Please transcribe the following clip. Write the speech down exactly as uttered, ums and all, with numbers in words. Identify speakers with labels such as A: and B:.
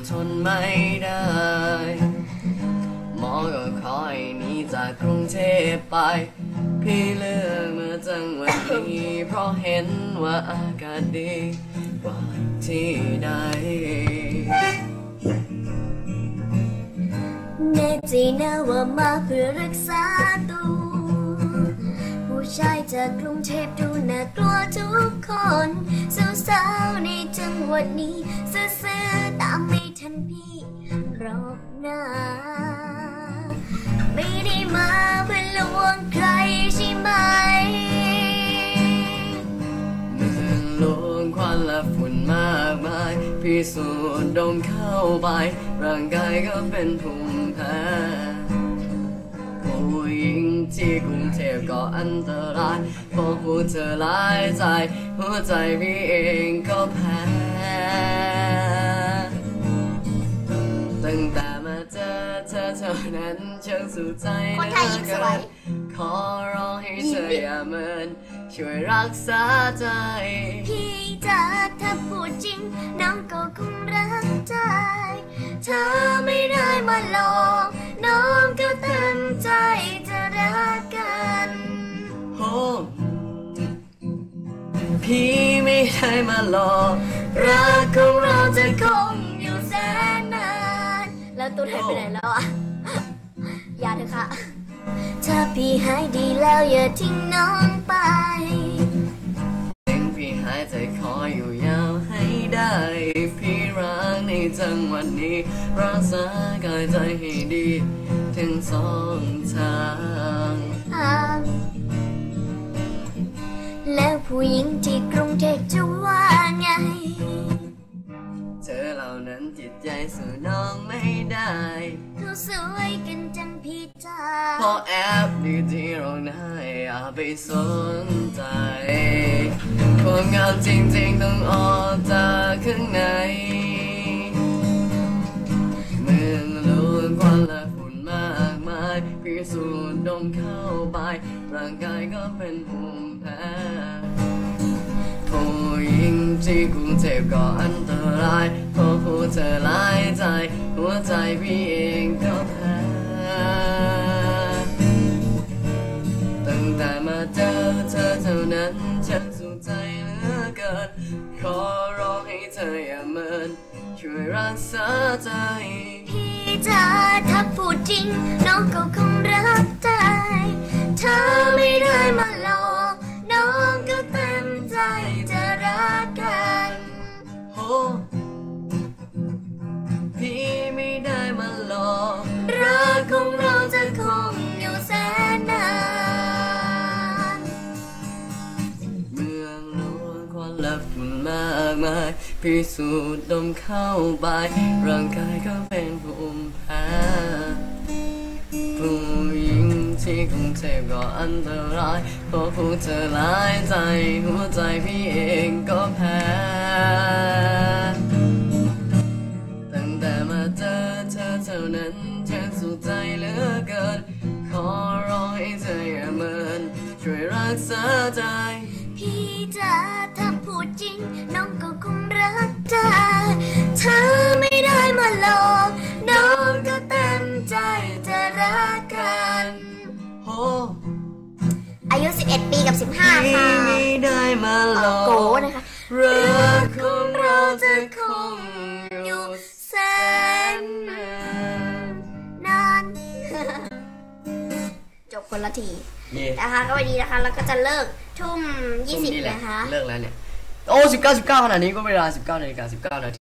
A: ทนไม่ได้หมอก็ขอให้หนีจากกรุงเทพไปพี่เลือกมาจังหวัดนี้เพราะเห็นว่าอากาศดีกว่าที่ใด
B: แน่ใจนะว่ามาเพื่อรักษาตัวผู้ชายจากกรุงเทพดูน่ากลัวทุกคนสาวๆในจังหวัดนี้เสื้อๆตามไม่ทันพี่รอบหน้าไม่ได้มาเพื่อลวงใครใช่ไหม
A: เมืองลวงควันและฝุ่นมากมายพี่สูดดมเข้าไปร่างกายก็เป็นภูมิแพ้ผู้หญิงที่กรุงเทพก็อันตรายเพราะผู้เธอหลายใจหัวใจพี่เองก็แพ้ตั้งแต่มาเจอเธอเท่านั้นช่างสุดใจเหลือเกินขอร้องให้เธออย่าเมินช่วยรักษาใจ
B: พี่จ๋าถ้าพูดจริงน้องก็คงรักใจเธอไม่ได้มาหลอกน้องก็เต็มใจจะรักกัน
A: โอ้พี่ไม่ได้มาหลอกรักของเราจะคงอยู่แสนนาน
B: แล้วตัวไทยไปไหนแล้วอ่ะอย่าเถอะค่ะถ้าพี่หายดีแล้วอย่าทิ้งน้องไป
A: ถึงพี่หายใจขออยู่ยาวให้ได้พี่รักในจังหวัดนี้รักษากายใจให้ดีทั้งสองทาง
B: แล้วผู้หญิงที่กรุงเทพจะว่าไง
A: เธอเหล่านั้นจิตใจสู่น้องไม่ได้
B: เขาสวยกันจังพี่จ๋า
A: พอแอบดีที่ร้องไห้อย่าไปสนใจความงามจริงๆต้องออกจากข้างในเมืองล้วนควันและฝุ่นมากมายพี่สูดดมเข้าไปร่างกายก็เป็นภูมิแพ้ผู้หญิงที่กรุงเทพก็อันตรายเพราะผู้เธอหลายใจหัวใจพี่เองก็แพ้ตั้งแต่มาเจอเธอเท่านั้นฉันสุขใจเหลือเกินขอร้องให้เธออย่าเมินช่วยรักษาใจ
B: พี่จ๋าถ้าพูดจริงน้องก็คงรักใจเธอไม่ได้มาหลอกน้องก็เต็มใจจะรักกัน
A: โอ้พี่ไม่ได้มาหลอก
B: รักของเราจะคงอยู่แสนนาน
A: เมืองล้วนควันและฝุ่นมากมายพี่สูดดมเข้าไปร่างกายก็เป็นภูมิแพ้ผู้หญิงที่กรุงเทพก็อันตรายเพราะผู้เธอหลายใจหัวใจพี่เองก็แพ้ตั้งแต่มาเจอเธอเท่านั้นฉันสุขใจเหลือเกินขอร้องให้เธออย่าเมินช่วยรักษาใจ
B: พี่จ๋าถ้าพูดจริงน้องก็คงรักใจเธอไม่ได้มาหลอกน้องก็เต็มใจจะรักกัน
A: โอ้
B: อายุสิบเอ็ดปีกับสิบห้าค่ะ
A: ไม่ได้มาหลอก
B: โกนะคะ
A: รักของเราจะคงอยู่แสน
B: นานจบคนละทีนะคะก็วันนี้นะคะแล้วก็จะเลิกทุ่มยี่สิบนะคะ
A: เลิกแล้วเนี่ยโอ้สิบเก้าสิบเก้าขนาดนี้ก็เวลาสิบเก้านาฬิกาสิบเก้านาที